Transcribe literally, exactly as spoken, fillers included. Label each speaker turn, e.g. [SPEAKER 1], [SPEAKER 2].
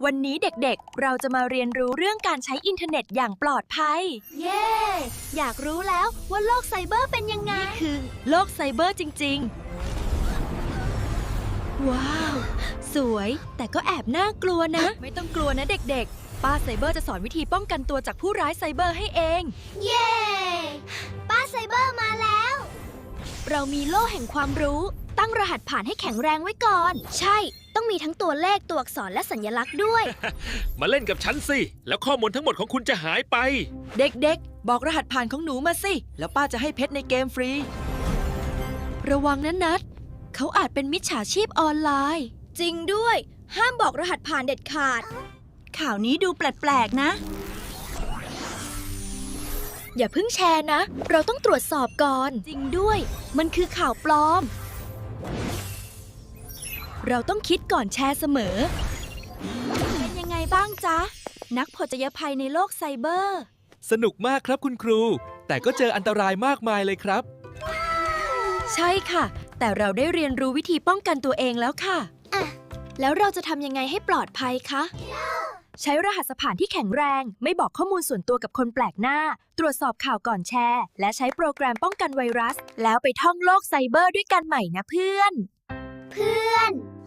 [SPEAKER 1] วันนี้เด็กๆ เราจะมาเรียนรู้เรื่องการใช้อินเทอร์เน็ตอย่างปลอดภัย
[SPEAKER 2] เย้ อยากรู้แล้วว่าโลกไซเบอร์เป็นยังไง
[SPEAKER 1] นี่คือโลกไซเบอร์จริงๆ ว้าว สวยแต่ก็แอบน่ากลัวนะ ไม่ต้องกลัวนะเด็กๆ ป้าไซเบอร์จะสอนวิธีป้องกันตัวจากผู้ร้ายไซเบอร์ให้เอง
[SPEAKER 2] เย้ ป้าไซเบอร์มาแล้ว เรามีโล่แห่งความรู้ ตั้งรหัสผ่านให้แข็งแรงไว้ก่อน ใช่ ต้องมีทั้งตัวเลขตัวอักษรและสัญลักษณ์ด้วย
[SPEAKER 3] มาเล่นกับฉันสิ แล้วข้อมูลทั้งหมดของคุณจะหายไป
[SPEAKER 1] เด็กๆ บอกรหัสผ่านของหนูมาสิ แล้วป้าจะให้เพชรในเกมฟรี ระวังนะนัดเขาอาจเป็นมิจฉาชีพออนไลน์
[SPEAKER 2] จริงด้วย ห้ามบอกรหัสผ่านเด็ดขาด
[SPEAKER 1] ข่าวนี้ดูแปลกๆนะ
[SPEAKER 2] อย่าเพิ่งแชร์นะ เราต้องตรวจสอบก่อน จริงด้วย มันคือข่าวปลอม
[SPEAKER 1] เราต้องคิดก่อนแชร์เสมอ เป็นยังไงบ้างจ๊ะ นักผจญภัยในโลกไซเบอร์
[SPEAKER 4] สนุกมากครับคุณครู แต่ก็เจออันตรายมากมายเลยครับ
[SPEAKER 1] ใช่ค่ะ แต่เราได้เรียนรู้วิธีป้องกันตัวเองแล้วค่ะ
[SPEAKER 2] แล้วเราจะทำยังไงให้ปลอดภัยคะ
[SPEAKER 1] ใช้รหัสผ่านที่แข็งแรง ไม่บอกข้อมูลส่วนตัวกับคนแปลกหน้า ตรวจสอบข่าวก่อนแชร์ และใช้โปรแกรมป้องกันไวรัส แล้วไปท่องโลกไซเบอร์ด้วยกันใหม่นะเพื่อน
[SPEAKER 2] เพื่อน